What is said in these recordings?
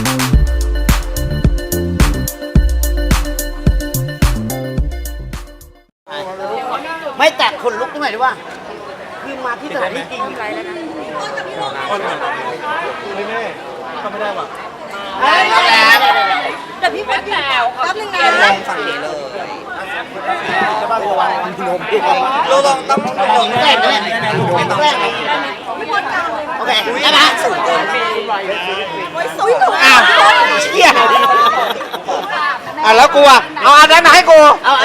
ไม่แตกคนลุกตรงไหนดีวะคือมาที่สถานที่จริงไรแล้วนะไม่แน่ทำไม่ได้ว่ะแต่พี่พัดแล้วแป๊บนึงนะลองฝั่งนี้เลยจะบ้าระวังมันลมเราลองต้องลงแรกเลยไม่ต้องแรกโอเคได้ไหมสูงเกินอ้าวเชี่ยแล้วกูอ่ะเอาอันนั้นมาให้กูเอา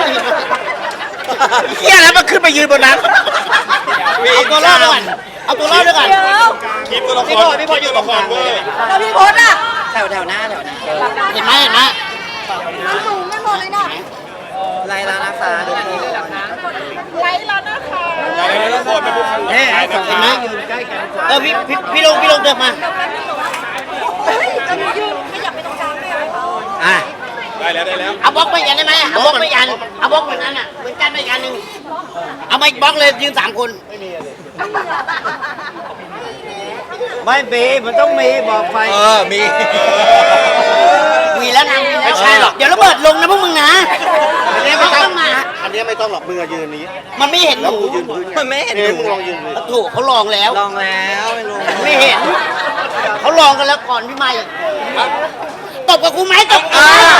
เฮียแล้วมันขึ้นไปยืนบนนั้นเอาตัวรอดด้วยก่อนเอาตัวรอดด้วยก่อนคลิปตัวละครพี่พออยู่ตรงกลางแล้วพี่พศอ่ะแถวหน้าเห็นไหมสูงไม่หมดเลยนะไล่แล้วนะคะทุกคนไล่แล้วนะคะไล่แล้วทุกคนเป็นผู้ชเห็นไหมพี่ลงเดินมาจะมียืนขยับไปตรงกลางได้ไหมได้แล้วเอาบล็อกไปกันได้ไหมเอาบล็อกไปกันเอาบล็อกเหมือนกันอ่ะเหมือนกันไปกันหนึ่งเอามาอีกบล็อกเลยยืน3 คนไม่มีมันต้องมีบอกไฟมีแล้วนะไม่ใช่หรอกเดี๋ยวระเบิดลงนะพวกมึงนะอันนี้ไม่ต้องมาอันนี้ไม่ต้องหรอกมือยืนนี้มันไม่เห็นหนูมันไม่เห็นมึงลองยืนเลยถูกเขาลองแล้วไม่เห็นเขาลองกันแล้วก่อนพี่ใหม่ตบกับกูไหมตบ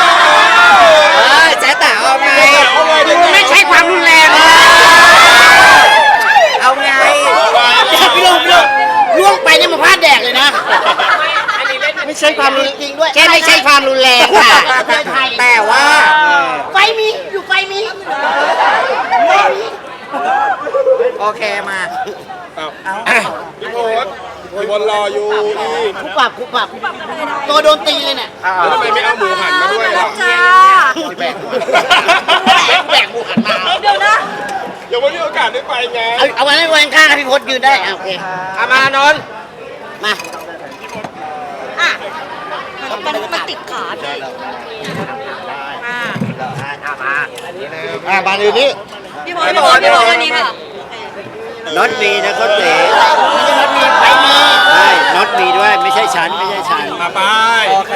แจ๊แต่เอาไงไม่ใช่ความรุนแรงเอาไงพี่ลงล่วงไปเนี่ยมาพลาดแดกเลยนะไม่ใช่ความรุนจริงด้วยแค่ไม่ใช่ความรุนแรงค่ะแต่ว่าไฟมีอยู่ไฟมีโอเคมาพี่โพสพี่บอลรออยู่นี่คุปรับตัวโดนตีเลยเนี่ยแล้วทำไมไม่เอาหมูหันมาด้วยล่ะจ้าแบกหมูหันมาเดี๋ยวนะยังไม่มีโอกาสได้ไปไงเอาไว้ไว้ข้างๆพี่พศยืนได้โอเคมานนท์มามันติดขาพี่บานอื่นนี้พี่พศอันนี้ค่ะน็อตมีนะเขาเต๋น็อตมีไฟมีใช่น็อตมีด้วยไม่ใช่ชั้นมาไปโอเค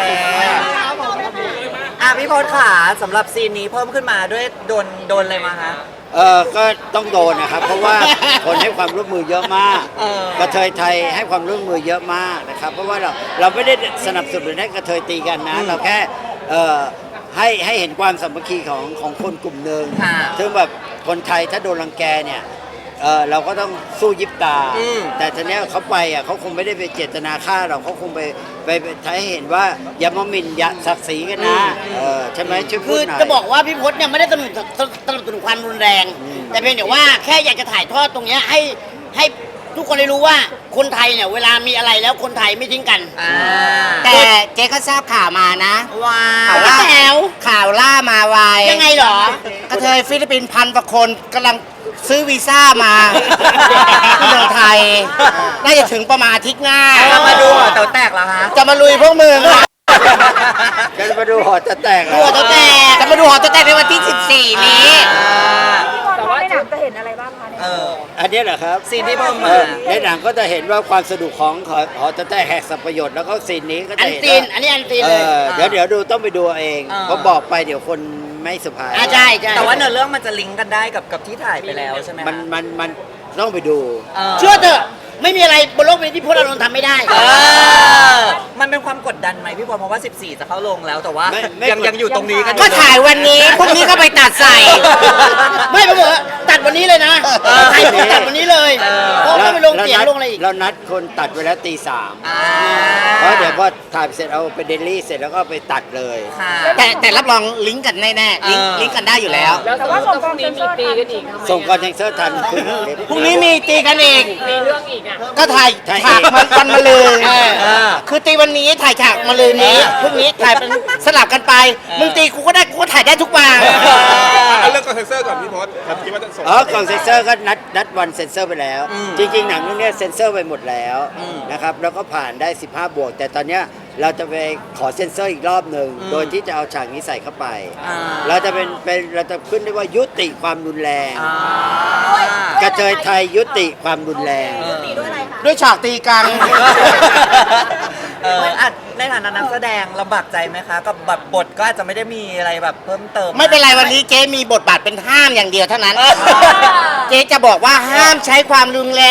พี่พศขาสำหรับซีนนี้เพิ่มขึ้นมาด้วยโดนอะไรมาฮะก็ต้องโดนนะครับเพราะว่าคนให้ความร่วมมือเยอะมากกระเทยไทยให้ความร่วมมือเยอะมากนะครับเพราะว่าเราไม่ได้สนับสนุนให้กระเทยตีกันนะเราแค่ให้เห็นความสามัคคีของคนกลุ่มหนึ่งซึ่งแบบคนไทยถ้าโดนรังแกเนี่ยเราก็ต้องสู้ยิบตาแต่ทีนี้เขาไปเขาคงไม่ได้ไปเจตนาฆ่าเราเขาคงไปทำให้เห็นว่าอย่ามาหมิ่นอย่าศักดิ์ศรีกันนะใช่ไหมช่วยพูดหน่อยจะบอกว่าพี่พศเนี่ยไม่ได้สนับสนุนความรุนแรงแต่เพียงแต่ว่าแค่อยากจะถ่ายทอดตรงนี้ให้ทุกคนได้รู้ว่าคนไทยเนี่ยเวลามีอะไรแล้วคนไทยไม่ทิ้งกันแต่เจ๊ก็ทราบข่าวมานะว่าข่าวล่ามาไวยังไงหรอกระเทยฟิลิปปินส์1,000 กว่าคนกำลังซื้อวีซ่ามาที่เมืองไทยน่าจะถึงประมาณอาทิตย์หน้าจะมาดูหอแตกเหรอฮะจะมาลุยพวกมึงจะมาดูหอจะแตกจะมาดูหอจะแตกในวันที่14นี้แต่ว่าในหนังจะเห็นอะไรบ้างคะอันนี้เหรอครับซีนที่เพิ่มมาในหนังก็จะเห็นว่าความสนุกของหอจะแตกแหกสับประโยชน์แล้วก็ซีนนี้ก็จะเห็นอันนี้เลยเดี๋ยวดูต้องไปดูเองเพราะบอกไปเดี๋ยวคนไม่สุภาพใช่แต่ว่าเนื้อเรื่องมันจะลิงก์กันได้กับที่ถ่ายไปแล้วใช่ไหมมันต้องไปดูเชื่อเถอะไม่มีอะไรบนโลกนี้ที่พวกเราทำไม่ได้มันเป็นความกดดันไหมพี่พลเพราะว่า14จะเข้าลงแล้วแต่ว่ายังอยู่ตรงนี้กันก็ถ่ายวันนี้พรุ่งนี้ก็ไปตัดใส่ไม่ผมบอกตัดวันนี้เลยนะถ่ายตัดวันนี้เลยเพราะไม่ไปลงเสียงลงอะไรอีกเรานัดคนตัดไว้แล้วตี 3เพราะเดี๋ยวพอถ่ายเสร็จเอาไปเดลี่เสร็จแล้วก็ไปตัดเลยแต่รับรองลิงก์กันแน่ๆลิงก์กันได้อยู่แล้วแต่ว่าส่งกองมีตีกันอีกส่งกองเทนเซอร์ทันพรุ่งนี้มีตีกันอีกมีเรื่องอีกก็ถ่ายฉากวันมะรืนคือตีวันนี้ถ่ายฉากมะรืนนี้พรุ่งนี้ถ่ายเป็นสลับกันไปมึงตีกูก็ได้กูก็ถ่ายได้ทุกวันเอาเรื่องกองเซนเซอร์ก่อนพี่พศคิดว่าจะส่งกองเซนเซอร์ก็นัดวันเซนเซอร์ไปแล้วจริงๆหนังเรื่องนี้เซนเซอร์ไปหมดแล้วนะครับแล้วก็ผ่านได้15 บวกแต่ตอนเนี้ยเราจะไปขอเซนเซอร์อีกรอบหนึ่งโดยที่จะเอาฉากนี้ใส่เข้าไปเราจะเราจะขึ้นได้ว่ายุติความรุนแรงกระเทยไทยยุติความรุนแรงด้วยฉากตีกันอ่ะในฐานะนักแสดงลำบากใจไหมคะกับแบบบทก็อาจจะไม่ได้มีอะไรแบบเพิ่มเติมไม่เป็นไรวันนี้เจ๊มีบทบาทเป็นห้ามอย่างเดียวเท่านั้น เจ๊จะบอกว่าห้ามใช้ความรุนแรง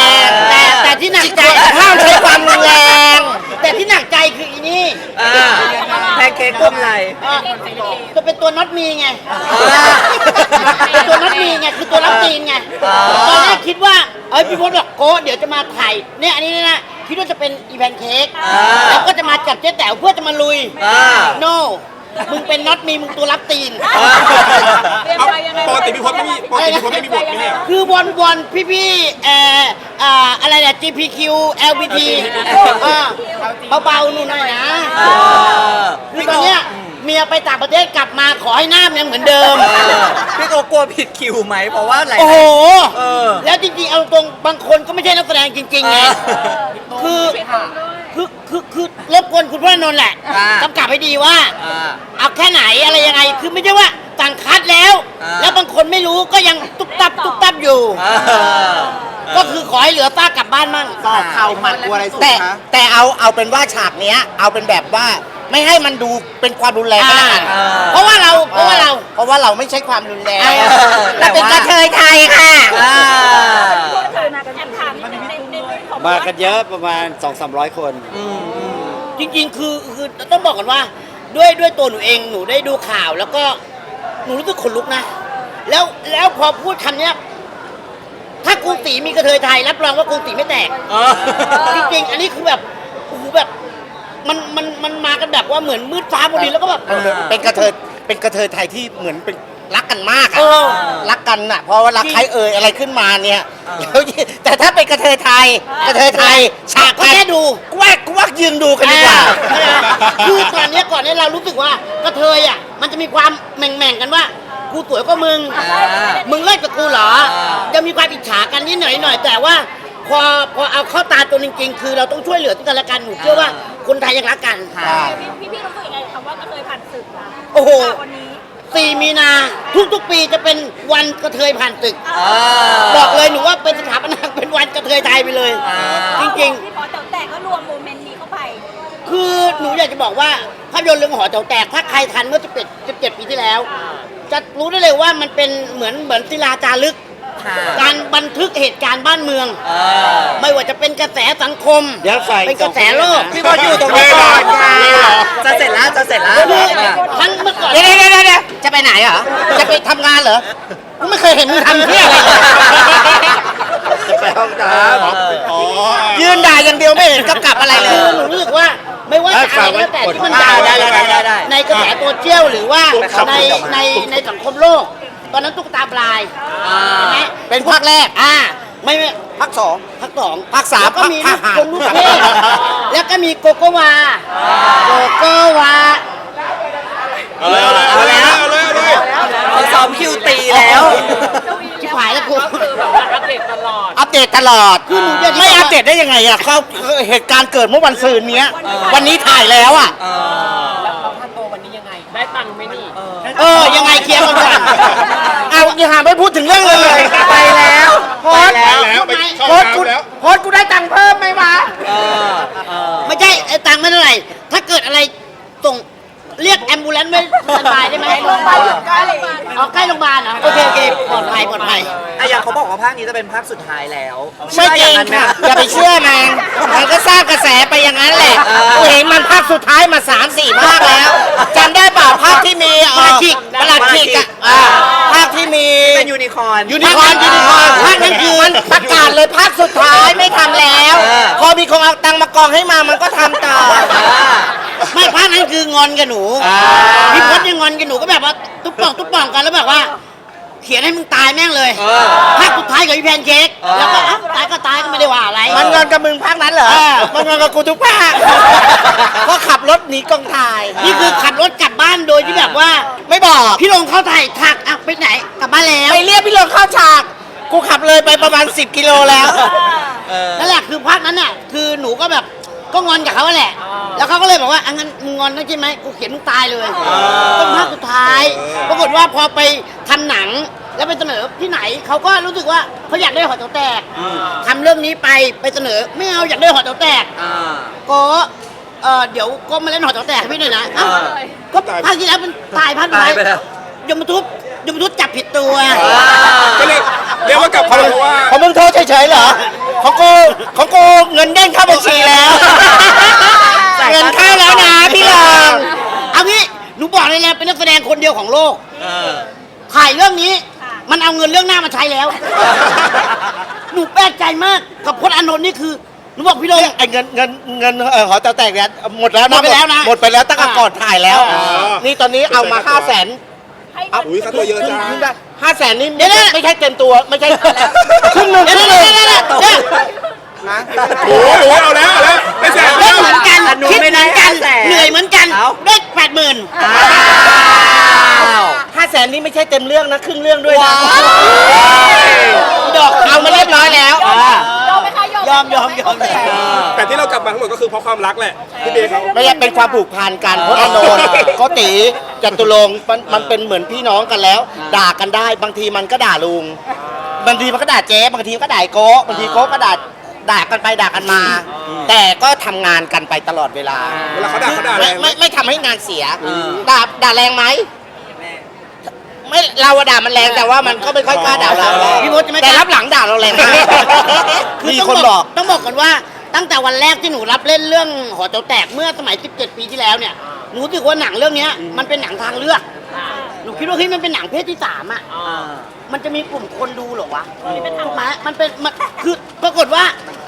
แต่ที่หนักใจห้ามใช้ความรุนแรง แต่ที่หนักใจคืออีนี่แพนเค้กกลุ่มอะไรจะเป็นตัวน็อตมีไงเป็นตัวน็อตมีไงคือตัวรับตีนไงตอนแรกคิดว่าพี่พจน์บอกโก้เดี๋ยวจะมาถ่ายเนี่ยอันนี้นะคิดว่าจะเป็นอีแพนเค้กแล้วก็จะมาจับเจ๊แต๋วเพื่อจะมาลุย no มึงเป็นน็อตมีมึงตัวรับตีนปกติพี่พจน์ไม่มีบทไม่ใช่คือวอนพี่อะไรเนี่ย GPQ LBT เบาๆหนูหน่อยนะคือตอนเนี้ยเมียไปต่างประเทศกลับมาขอให้หน้ามันยังเหมือนเดิมพี่โกกลัวผิดคิวไหมเพราะว่าอะไรโอ้โหเออแล้วจริงๆเอาตรงบางคนก็ไม่ใช่นักแสดงจริงๆไงคือรบกวนคุณพระนนท์แหละกำกับให้ดีว่า เอาแค่ไหนอะไรยังไงคือไม่ใช่ว่าต่างคัดแล้ว แล้วบางคนไม่รู้ก็ยังตุ๊บตับอยู่ ก็คือขอให้เหลือต้ากลับบ้านมั่งต่อเข่าหมัดกลัวอะไรสุดคะแต่เอาเป็นว่าฉากเนี้ยเอาเป็นแบบว่าไม่ให้มันดูเป็นความรุนแรงก็แล้วกันเพราะว่าเราไม่ใช่ความรุนแรงเราเป็นกระเทยไทยค่ะเคยมากันแอบถามในของมากันเยอะประมาณ 200-300 คนจริงๆคือต้องบอกก่อนว่าด้วยตัวหนูเองหนูได้ดูข่าวแล้วก็หนูรู้สึกขนลุกนะแล้วพอพูดคำเนี้ยถ้ากรุงศรีมีกระเทยไทยรับรองว่ากรุงศรีไม่แตกจริงๆอันนี้คือแบบโอ้โหแบบมันมากันแบบว่าเหมือนมืดฟ้าพอดีแล้วก็แบบเป็นกระเทยไทยที่เหมือนเป็นรักกันมากอะรักกันน่ะเพราะว่ารักใครอะไรขึ้นมาเนี่ยแต่ถ้าเป็นกระเทยไทยฉากก็แค่ดูกวักยืนดูกันดีกว่าคือก่อนเนี้ยเรารู้สึกว่ากระเทยอ่ะมันจะมีความแม่งกันว่ากูสวยก็มึงเลิกกับกูเหรอจะมีความอิจฉากันนิดหน่อยแต่ว่าพอเอาเข้าตาตัวจริงๆคือเราต้องช่วยเหลือกันและกันหนูเชื่อว่าคนไทยยังรักกันพี่รู้สึกยังไงคำว่ากระเทยผ่านศึกล่ะโอ้โหวันนี้ 4 มีนาทุกปีจะเป็นวันกระเทยผ่านตึกบอกเลยหนูว่าเป็นสถาปนาเป็นวันกระเทยไทยไปเลย จริงพี่พอแต่ก็รวมโมเมนต์นี้เข้าไปๆ คือหนูอยากจะบอกว่าภาพยนตร์เรื่องหอแถวแตกถ้าใครทันเมื่อ17 ปีที่แล้ว จะรู้ได้เลยว่ามันเป็นเหมือนศิลาจารึก การบันทึกเหตุการณ์บ้านเมืองไม่ว่าจะเป็นกระแสสังคมเดี๋ยวฝ่ายเป็นกระแสโลกพี่บอลอยู่ตรงนี้ก่อนค่ะจะเสร็จแล้วคือทั้งเมื่อก่อนเดี๋ยวจะไปไหนเหรอจะไปทำงานเหรอกูไม่เคยเห็นมึงทำเที่ยอะไรเลยจะไปห้องน้ำยืนด่าอย่างเดียวไม่เห็นกำกับอะไรเลยหนูรู้สึกว่าไม่ว่าจะอะไรก็แต่ที่มันด่าได้ในกระแสโซเชียลหรือว่าในสังคมโลก ตอนนั้นตุ๊กตาปลายใช่ไหมเป็นภาคแรกไม่ภาค 2 ภาค 2 ภาค 3 ก็มีลูกคนลูกเทพแล้วก็มีโกโกวาเอาเลยเขาซ้อมคิวตีแล้วชิบหายแล้วกูคือแบบว่าอัปเดตตลอดอัปเดตตลอดคือหนูไม่อัปเดตได้ยังไงอ่ะเขาเหตุการณ์เกิดเมื่อวันซืนเนี้ยวันนี้ถ่ายแล้วอ่ะแล้วค่าตัววันนี้ยังไง ได้ตังค์ไหมนี่ยังไงเคลียร์กันก่อนเอาอย่าหาไม่พูดถึงเรื่องเลยไปแล้วโพสต์แล้วไปช่องน้ำแล้วโพสต์กูได้ตังค์เพิ่มไหมวะไม่ใช่ไอ้ตังค์ไม่เท่าไหร่ถ้าเกิดอะไรส่งเรียกแอมบูเลนซ์ไม่สบายได้ไหมโรงพยาบาลอยู่ใกล้ใกล้โรงพยาบาลเหรอโอเคปลอดภัยอย่างเขาบอกว่าภาคนี้จะเป็นภาคสุดท้ายแล้วไม่จริงค่ะอย่าไปเชื่อมันก็สร้างกระแสไปอย่างนั้นแหละกูเห็นมันภาคสุดท้ายมา 3-4 ภาคแล้วจำได้เปล่าภาคที่มีประหลัดขิกอ่ะภาคที่มีเป็นยูนิคอร์นภาคนั้นคือมันประกาศเลยภาคสุดท้ายไม่ทำแล้ว พอมีคนเอาตังค์มากองให้มามันก็ทำต่อไม่ภาคนั้นคืองอนกับหนูพี่พจน์ยังงอนกับหนูก็แบบว่าตุ๊บป่องกันแล้วแบบว่า เขียนให้มึงตายแม่งเลยภาคสุดท้ายกับพี่แพนเค้กแล้วก็ตายก็ไม่ได้ว่าอะไรมันงอนกับมึงภาคนั้นเหรอมันงอนกับกูทุกภาคก็ขับรถหนีกองถ่ายนี่คือขับรถกลับบ้านโดยที่แบบว่าไม่บอกพี่ลงเข้าถ่ายถักไปไหนกลับบ้านแล้วไปเรียกพี่ลงเข้าฉากกูขับเลยไปประมาณ10 กิโลแล้วนั่นแหละคือภาคนั้นน่ะคือหนูก็แบบก็งอนกับเขาแหละแล้วเขาก็เลยบอกว่างั้นมึงงอนนะใช่ไหมกูเขียนมึงตายเลยต้องภาคสุดท้ายปรากฏว่าพอไปทำหนังแล้วไปเสนอที่ไหนเขาก็รู้สึกว่าเขาอยากได้หอแถวแตกทำเรื่องนี้ไปเสนอไม่เอาอยากได้หอแถวแตกก็เดี๋ยวก็มาเล่นหอแต๋วแตกให้พี่หน่อยนะอ้าวก็ภาคที่แล้วมันตายภาคตายท้ายไปแล้วยมทุบจับผิดตัวก็เรียกว่ากลับเขาเพราะว่าของมึงโทษเฉยๆเหรอของกูเงินเด้งเข้าบัญชีแล้ว เงินเข้าแล้วนะพี่ลองเอางี้หนูบอกเลยนะเป็นนักแสดงคนเดียวของโลกเออถ่ายเรื่องนี้มันเอาเงินเรื่องหน้ามาใช้แล้ว หนูแปลกใจมากกับพจน์อานนท์นี่คือหนูบอกพี่โดงไอ้เงินหอแต๋วแตกเนี่ยหมดแล้วหมดไปแล้วนะหมดไปแล้วตั้งแต่ก่อนถ่ายแล้ว นี่ตอนนี้เอามา500,000 อุ้ยค่าตัวเยอะจัง 500,000นี่เดี๋ยวนะไม่ใช่เต็มตัวไม่ใช่ครึ่งหนึงเดี๋ยวครึ่งหนึงนะโอ้โหเอาแล้วไม่แสนเล่แล้นวเหมือนกันแต่หนูคิดไม่เหได้มือนกัน 500,000 เหนื่อยเหมือนกันเอ้าได้80,000 อ้าว 500,000นี่ไม่ใช่เต็มเรื่องนะครึ่งเรื่องด้วยนะดอกเอามาเรียบร้อยแล้วยอมไหมคะยอมยอมแต่ที่เรากลับมาทั้งหมดก็คือเพราะความรักแหละพี่เบย์เขาไม่ใช่เป็นความผูกพันกันเพราะอานนท์โกติจตุรงค์มันเป็นเหมือนพี่น้องกันแล้ว ด่ากันได้บางทีมันก็ด่าลุงบางทีมันก็ด่าเจ๊บางทีก็ด่าไอ้โก้บางทีโก้ก็ด่ากันไปด่ากันมา แต่ก็ทำงานกันไปตลอดเวลาเวลาเขาด่าแรงไหมไม่ทำให้งานเสียด่าแรงไหมไม่เราอะด่ามันแรงแต่ว่ามันก็ไม่ค่อยกล้าด่าเราพี่มดจะไม่แต่รับหลังด่าเราแรงมากมีคนบอกต้องบอกก่อนว่าตั้งแต่วันแรกที่หนูรับเล่นเรื่องหอแต๋วแตกเมื่อสมัย 17 ปีที่แล้วเนี่ยหนูรู้สึกว่าหนังเรื่องเนี้ยมันเป็นหนังทางเลือกหนูคิดว่าเฮ้ยมันเป็นหนังเพศที่3อ่ะมันจะมีกลุ่มคนดูเหรอวะถูกไหมมันเป็นมันคือปรากฏว่า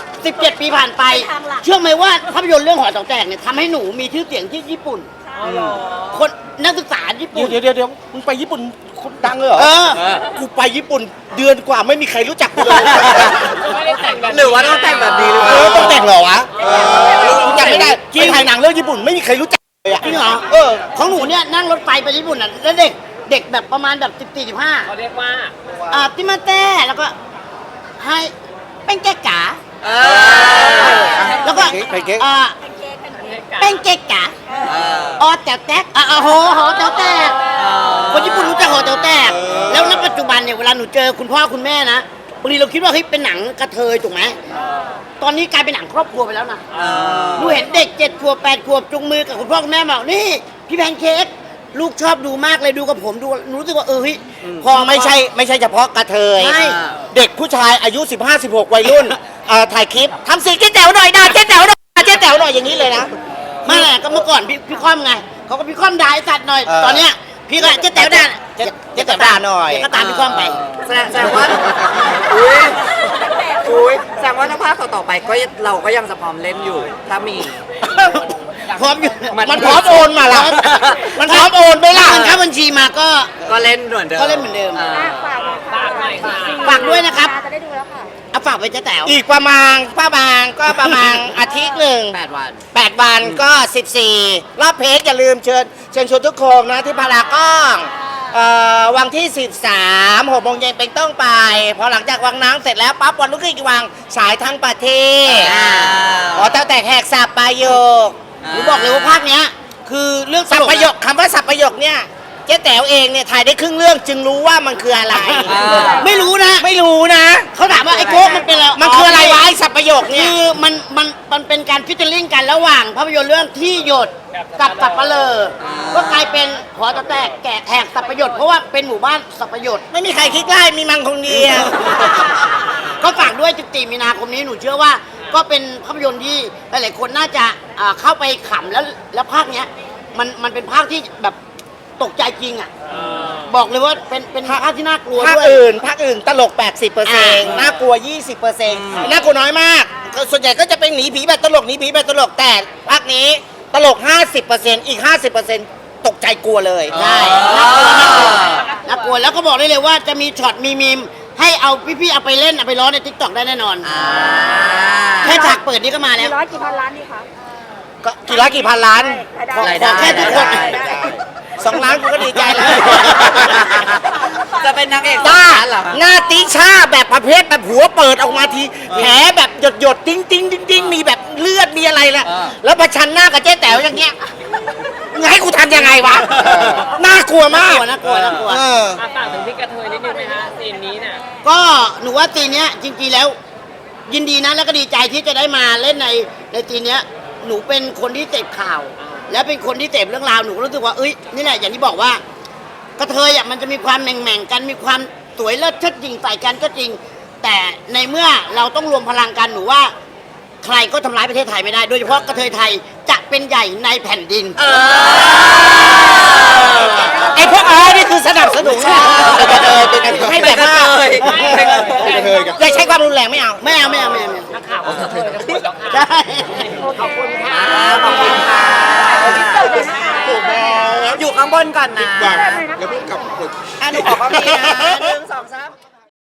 17 ปีผ่านไป เชื่อไหมว่าภาพยนตร์เรื่องหอแต๋วแตกเนี่ยทำให้หนูมีชื่อเสียงที่ญี่ปุ่นคนนักศึกษาญี่ปุ่นเดี๋ยวมึงไปญี่ปุ่นคนดังเลยเหรอเออกูไปญี่ปุ่นเดือนกว่าไม่มีใครรู้จักกูเลยไม่ได้แต่งแบบหรือว่าต้องแต่งแบบนี้หรือเปล่าต้องแต่งเหรอวะจำไม่ได้ไปถ่ายหนังเรื่องญี่ปุ่นไม่มีใครรู้จักเลยอะจริงเหรอของหนูเนี่ยนั่งรถไฟไปญี่ปุ่นอ่ะแล้วเด็กแบบประมาณแบบ14-15 เขาเรียกว่าติมาเต้แล้วก็ให้เป็นแกกาเออแล้วก็ไปเก๊กเป็นแกกาออแต๋วแตกหอแต๋วแตกคนญี่ปุ่นรู้จักหอแต๋วแตกแล้วณปัจจุบันเนี่ยเวลาหนูเจอคุณพ่อคุณแม่นะบางทีเราคิดว่าเฮ้ยเป็นหนังกระเทยถูกไหมตอนนี้กลายเป็นหนังครอบครัวไปแล้วนะหนูเห็นเด็ก7 ขวบ 8 ขวบจุงมือกับคุณพ่อคุณแม่บอกนี่พี่แพนเค้กลูกชอบดูมากเลยดูกับผมดูหนูรู้สึกว่าเฮ้ยพอไม่ใช่เฉพาะกระเทยใช่เด็กผู้ชายอายุ 15-16 วัยรุ่นถ่ายคลิปทำเสียงเจ๊แต๋วหน่อยด่าเจ๊แต๋วหน่อยเจ๊แต๋วหน่อยอย่างนี้เลยนะไม่แหละก็เมื่อก่อนพี่ค่อมไงเขาก็พี่ค่อมด่าไอ้สัตว์หน่อยตอนเนี้ยพี่ก็เจ๊แต๋วด่าเจ๊แต๋วด่าหน่อยเจ๊ก็ตามพี่ค่อมไปแสดงว่าแสดงว่าถ้าภาคต่อๆไปก็เราก็ยังจะพร้อมเล่นอยู่ ถ้ามีพร้อมอยู่มันพร้อมโอนมาละมันพร้อมโอนไหมล่ะเงินเข้าบัญชีมาก็ก็เล่นเหมือนเดิมก็เล่นเหมือนเดิมฝากฝากหน่อยค่ะฝากด้วยนะครับจะได้ดูแล้วค่ะเอาฝากไปเจ๊แต๋วอีกประมาณอาทิตย์หนึ่ง 8 วัน 8 วันก็ 14 รอบเพจอย่าลืมเชิญชวนทุกคนนะที่พารากอนวันที่ 13 6 โมงเย็นเป็นต้นไป พอหลังจากวังน้ำเสร็จแล้วปั๊บวันรุ่งขึ้นอีกวังฉายทั้งประเทศขอแตกแหกสับประโยคหนูบอกเลยว่าภาคเนี้ยคือเรื่องสับประโยคคำว่าสับประโยคเนี่ยเจ๊แต๋วเองเนี่ยถ่ายได้ครึ่งเรื่องจึงรู้ว่ามันคืออะไรไม่รู้นะไม่รู้นะเขาถามว่าไอ้โก้มันเป็นอะไรมันคืออะไรวะไอ้สับประโยคเนี่ยคือมันเป็นการฟิชเชอร์ลิงกันระหว่างภาพยนตร์เรื่องที่หยดกับสับปะเลอก็กลายเป็นหอแต๋วแตกแกะแหกสับประโยชน์เพราะว่าเป็นหมู่บ้านสับประโยชน์ไม่มีใครคิดได้มีมังคงเดียวก็ฝากด้วย14 มีนาคมนี้หนูเชื่อว่าก็เป็นภาพยนตร์ที่หลายๆคนน่าจะเข้าไปขำแล้วภาคเนี้ยมันเป็นภาคที่แบบตกใจจริงอ่ะบอกเลยว่าเป็นภาคที่น่ากลัวภาคด้วยอื่นตลก 80%น่ากลัว 20%น่ากลัวน้อยมากส่วนใหญ่ก็จะเป็นหนีผีแบบตลกแต่ภาคนี้ตลก 50%อีก 50%ตกใจกลัวเลยใช่น่ากลัวแล้วก็บอกได้เลยว่าจะมีช็อตมีมีมให้เอาพี่ๆเอาไปเล่นเอาไปร้องใน TikTok ได้แน่นอนแค่ฉากเปิดนี่ก็มาแล้วร้อยกี่พันล้านดีคะก็กี่ร้อยกี่พันล้านขอรายได้แค่ทุกคน 2 ล้านกูก็ดีใจแล้วจะเป็นนางเอกหน้าสำคัญเหรอคะหน้าติช่าแบบประเภทแบบหัวเปิดออกมาทีแผลแบบหยดติ้งมีแบบเลือดมีอะไรแหละแล้วประชันหน้ากับเจ๊แต๋วอย่างเงี้ยมึงให้กูทำยังไงวะน่ากลัวมากน่ากลัวฝากถึงพี่กระเทยนิดนึงไหมฮะซีนนี้เนี่ยก็หนูว่าตีเนี้ยจริงๆแล้ว ยินดีนะแล้วก็ดีใจที่จะได้มาเล่นในตีเนี้ยหนูเป็นคนที่เสพข่าว และเป็นคนที่เสพเรื่องราวหนูก็รู้สึกว่าเอ้ยนี่แหละอย่างที่บอกว่ากระเทยอ่ะมันจะมีความแหม่งๆกันมีความสวยเลิศเชิดหยิ่งใส่กันก็จริง แต่ในเมื่อเราต้องรวมพลังกันหนูว่า ใครก็ทำร้ายประเทศไทยไม่ได้ โดยเฉพาะกระเทยไทยจะเป็นใหญ่ในแผ่นดินไอ้พวกนี่คือสนับสนุนให้แบบว่าอย่าใช้ความรุนแรงไม่เอาไม่เอานักข่าวก็เคยจะพูดแล้วค่ะใช่ขอบคุณค่ะอยู่ข้างบนก่อนนะบังแล้วเพิ่งกลับหนูขอความดีนะ1 2 3